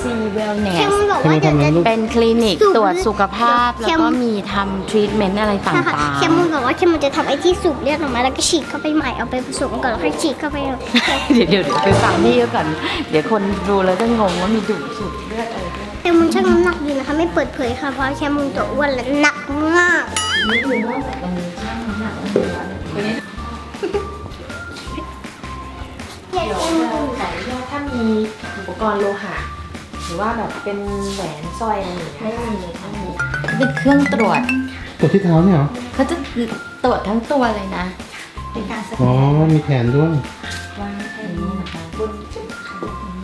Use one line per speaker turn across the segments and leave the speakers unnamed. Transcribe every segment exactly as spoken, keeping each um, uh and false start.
ซีเวลเน
แค
ส
มุนบอกว่าเดี๋ยวจะ
เป็นคลินิกตรวจสุขภาพแล้วก็มีทำทรีทเมนต์อะไรต่างๆ
แคมุนบอกว่าแคมุนจะทำไอ้ที่สูบเลือดออกมาแล้วก็ฉีดเข้าไปใหม่เอาไปผสมก่อนแล้วค่อยฉีดเข้าไป
เดี๋ยวเดี๋ยวไปฟังพี่ก่อนเดี๋ยวคนดูแล้วจะงงว่ามีดูดสูบเลือดอะไรด้วย
แคมุนชั่งน้ำหนักดีนะคะไม่เปิดเผยค่ะเพราะแคมุนตัวอ้วนและหนักมาก
นี่คือนอกจากตรงนี้ช่างน้ำหนักแล้วตัวนี้เดี๋ยวขออนุญาตถ้ามีอุปกรณ์โลหะหรือว่าแบบเป็นแหวนสร้อยอะไรอย่างเงี้ยไม่มีไม่มีเป็นเครื่องตรวจ
ตรวจที่เท้าเนี่ยเหรอ
เขาจะตรวจทั้งตัวเลยนะเป็นการสแก
อ๋อน มีแขนด้วย
วางแค่นี้นะคะบนจุดค่ะ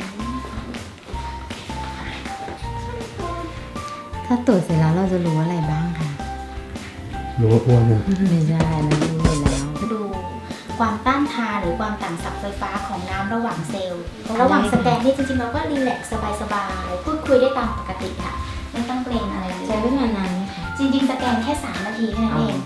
ถ้าตรวจเสร็จแล้วเราจะรู้อะไรบ้างคะ
รู้ว่าอ้วนเนี่ย
ไม่ใช่นะรู้อยู่แล้ว
ดูความต้านทานหรือความต่างศักย์ไฟฟ้าของน้ำระหว่างเซลล์ ระหว่างสแกนนี่จริงๆเราก็รีแลกซ์สบายๆ พูดคุยได้ตามปกติค่ะ ไม่ต้องเกรงอะไรเลย
ใช้เวลานานไหมคะ
จริงๆสแกนแค่สามนาทีแค่นั้นเอง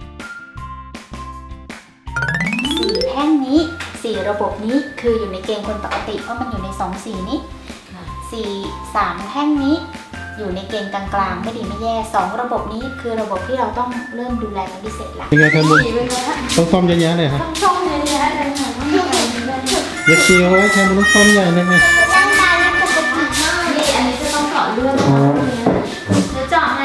สี่แท่งนี้สี่ระบบนี้คืออยู่ในเกณฑ์คนปกติเพราะมันอยู่ในสองสีนี้สี่สามแท่งนี้อยู่ในเกณฑ์กลางๆไม่ดีไม่แย่สองระบบนี้คือระบบที่เราต้องเริ่มดูแลเป็นพิเศษละ
เป็นไงครับบุญต้องซ่อมเยอะแยะเลยครับ
ต้องชมเลยนะเลยค่ะ
เย็บซีเอาไว้แค่มันต้องซ่อมใหญ่เลยค่ะ
ร่างกายมันปกติมาก
นี่อันนี้จะต้องเจาะเลือด
อ๋อ
จะเจาะไหม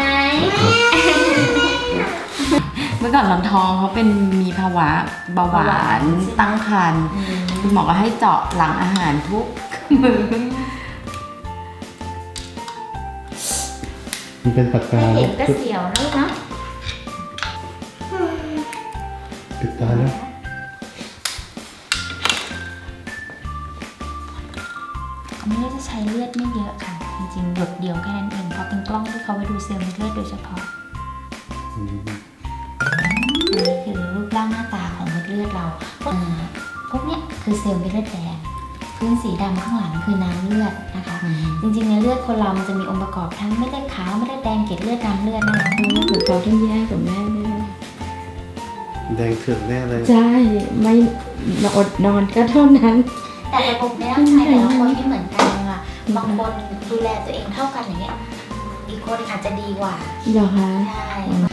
เมื่อก่อนลำทองเขาเป็นมีภาวะเบาหวานตั้งครรภ์คุณหมอก็ให้เจาะหลังอาหารทุกมื้อ
มันเป็นปากกา
เห็นก็เสียวนะลูกนะ
ปิดตาแล้ว
อันนี้จะใช้เลือดไม่เยอะค่ะ จริงๆหยดเดียวแค่นั้นเองเพราะเป็นกล้องที่เขาไปดูเซลล์ในเลือดโดยเฉพาะ
อืม
อันนี้คือรูปร่างหน้าตาของเม็ดเลือดเราอ่าพวกเนี้ยคือเซลล์เม็ดเลือดแดงพื้นสีดำข้างหลังคือน้ำเลือดนะคะ จริงๆในเลือดคนเรามันจะมีองค์ประกอบทั้งเม็ดเลือดขาวเม็ดเลือดแดงเกล็ดเลือดน้ำเลือดนะคะ
เหมือนเขาต้องแยกกับแม่ด้วย
แดงเถือกแน่เลย
ใช่ไม่อดนอนก็เท่านั้น
แต่ระบบในร่างกายแต่ละคนไม่เหมือนกันค่ะบางคนดูแลตัวเองเท่ากันอย่างเงี้ยอีกคนอาจจะดีกว่า
เหรอคะ
ใช่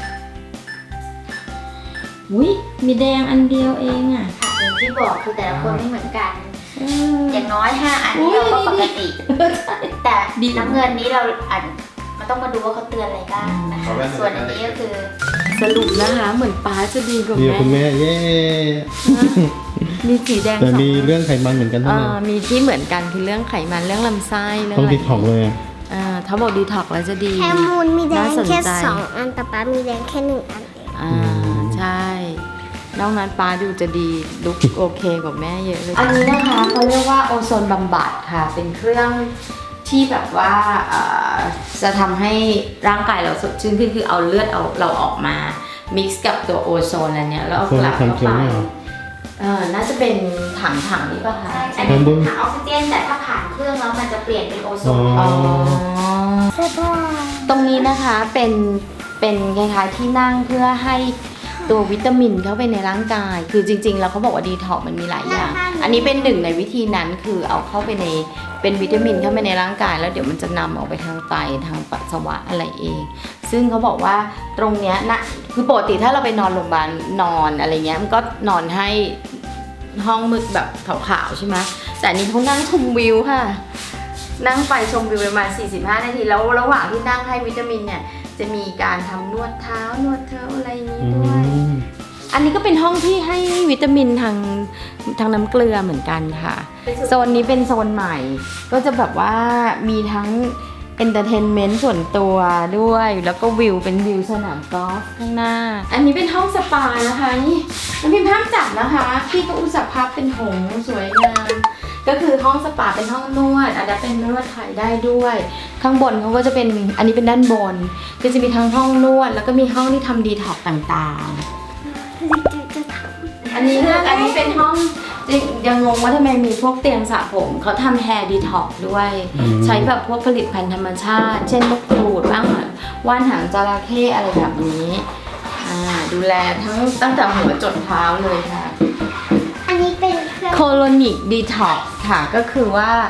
อุ้ยมีแดงอันเดียวเองอ่ะ
ค่ะอย่างที่บอกคือแต่ละคนไม่เหมือนกัน
เออ
อย่างน้อยห้าอัน
อุ๊
นี้
ย
เราก็ปกติ แต่
ดี
น้ำเงินนี้เราอ่านมันต้องมาดูว่าเขาเตือนอะไรบ้างนะคะส่วนอันนี้ก็คือ
สรุปนะคะเหมือนป้าจะดีกว่า
ดีกว่าคุณ
แม่
แม่เย้
มีสีแดง
แต่
สอง
มีเรื่องไขมันเหมือนกัน
เอ
เท่านั้น
อมีที่เหมือนกันคือเรื่องไขมันเรื่องลำไส้เรื่อง
ต้อง
อะไร
ดีท็อกเลยอะ
อ่าถ้าบอกดีท็อกแล้วจะดี
แคมุนมีแดง
น่าสน
แค่
ใจ
สองอันแต่ป๊ามีแดงแค่หนึ่งอันเอง
อ่าใช่นอกนั้นป้าดูจะดีลุกโอเคกว่าแม่เยอะเลย อันนี้นะคะเขาเรียกว่าโอโซนบำบัดค่ะ เป็นเครื่องที่แบบว่าเอ่อจะทำให้ร่างกายเราสดชื่นขึ้นคือเอาเลือดเอาเราออกมา mix กับตัวโอโซนอันเนี้ยแล้วเอากลับเข้าไปเออน่าจะเป็นถังถังๆนี้ป่ะคะ
อันนี้คือถังออกซิเจนแต่ถ้าผ่านเครื่องแล้วมันจะเปลี่ยนเป็นโอโซ
อ๋อ
น
อ๋อ
ใช่ป่ะ
ตรงนี้นะคะเป็นเป็นคล้ายๆที่นั่งเพื่อให้ตัววิตามินเข้าไปในร่างกาย คือจริงๆแล้วเขาบอกว่าดีท็อกมันมีหลายอย่าง อันนี้เป็นหนึ่งในวิธีนั้นคือเอาเข้าไปในเป็นวิตามินเข้าไปในร่างกาย แล้วเดี๋ยวมันจะนำออกไปทางไตทางปัสสาวะอะไรเอง ซึ่งเขาบอกว่าตรงเนี้ยนะคือปกติถ้าเราไปนอนโรงพยาบาลนอนอะไรเงี้ยมันก็นอนให้ห้องมืดแบบขาวๆใช่ไหมแต่อันนี้เขานั่งชมวิวค่ะ นั่งไปชมวิวประมาณสี่สิบห้านาทีแล้วระหว่างที่นั่งให้วิตามินเนี่ยจะมีการทำนวดเท้านวดเท้าอะไรนี้
อื
ด้วย
ม
อันนี้ก็เป็นห้องที่ให้วิตามินทางทางน้ำเกลือเหมือนกันค่ะ โซนนี้เป็นโซนใหม่ ก็จะแบบว่ามีทั้งเอนเตอร์เทนเมนต์ส่วนตัวด้วย แล้วก็วิวเป็นวิวสนามกอล์ฟข้างหน้า อันนี้เป็นห้องสปานะคะนี่มันเป็นภาพจัดนะคะพี่ก็อุตส่าห์พับเป็นหงส์สวยงามก็คือห้องสปาเป็นห้องนวดอาจจะเป็นนวดไทยได้ด้วย ข้างบนเขาก็จะเป็นอันนี้เป็นด้านบนก็จะมีทั้งห้องนวด แล้วก็มีห้องที่ทำดีท็อกต่างๆ
จะท
อันนี้นะอันนี้เป็นห้องจริงยังงงว่าทำไมมีพวกเตียงสระผมเขาทำแฮร์ดีท็อกด้วย ใช้แบบพวกผลิตภัณฑ์ธรรมชาติ เช่นมะกรูดบ้างว่านหางจระเข้อะไรแบบนี้อ่าดูแลทั้งตั้งแต่หัวจดเท้าเลยค่ะ
ำอันนี้เป็นเครื่อง
โคโลนิกดีท็อกค่ะก็คือว่าเ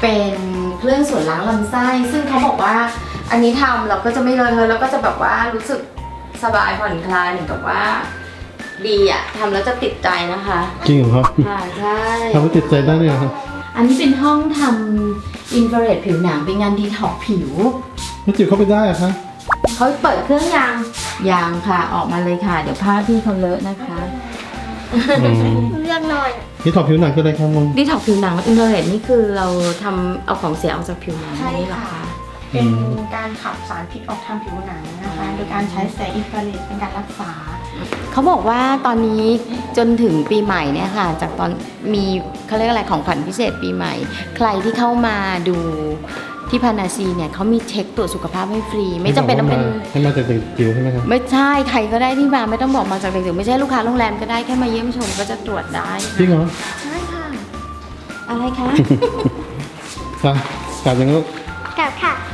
เป็นเครื่องส่วนล้างลำไส้ ซึ่งเขาบอกว่าอันนี้ทำเราก็จะไม่เลอะเทอะแล้วก็จะแบบว่ารู้สึกสบายผ่อนคลายเหมือนกับว่าดีอะทำแล้วจะติดใจนะคะ
จริงเหรอครับ
ค่ะใช่
ทำให้ติดใจได้เลยเหรอครับ
อันนี้เป็นห้องทำอินฟราเรดผิวหนังเป็นงานดีท็อกผิว
แล้วจิ๋วเข้าไปได้เหรอะคะ
เขาเปิดเครื่องยางยางค่ะออกมาเลยค่ะ เดี๋ยวผ้าพี่เขาเลอะนะคะ
อืม
เลือกหน่อย
นี่ถอดผิวหนังคืออะไรครับมึง
ดีท็อกผิวหนังอินฟราเรดนี่คือเราทำเอาของเสียออกจากผิวหนัง
ใช่
นี่เหรอ
ค่ะ
คะ
เป็นการขับสารพิษออกทางผิวหนังนะคะ โดยการใช้แสงอินฟราเรดเป็นการรักษา
เขาบอกว่าตอนนี้จนถึงปีใหม่เนี่ยค่ะ จากตอนมีเขาเรียกอะไรของขวัญพิเศษปีใหม่ ใครที่เข้ามาดูที่พานาซีเนี่ยเขามีเช็คตรวจสุขภาพให้ฟรี ไม่จำเป็นต้องเป็น
ให้มาจากเด็กจิ๋วใช่ไหมครับ
ไม่ใช่ใครก็ได้ที่มาไม่ต้องบอกมาจากเด็กๆไม่ใช่ลูกค้าโรงแรมก็ได้แค่มาเยี่ยมชมก็จะตรวจได้
จริงเหรอ
ใช่ค่ะ อะไรคะ
ไปกลับยังลูก
กลับค่ะ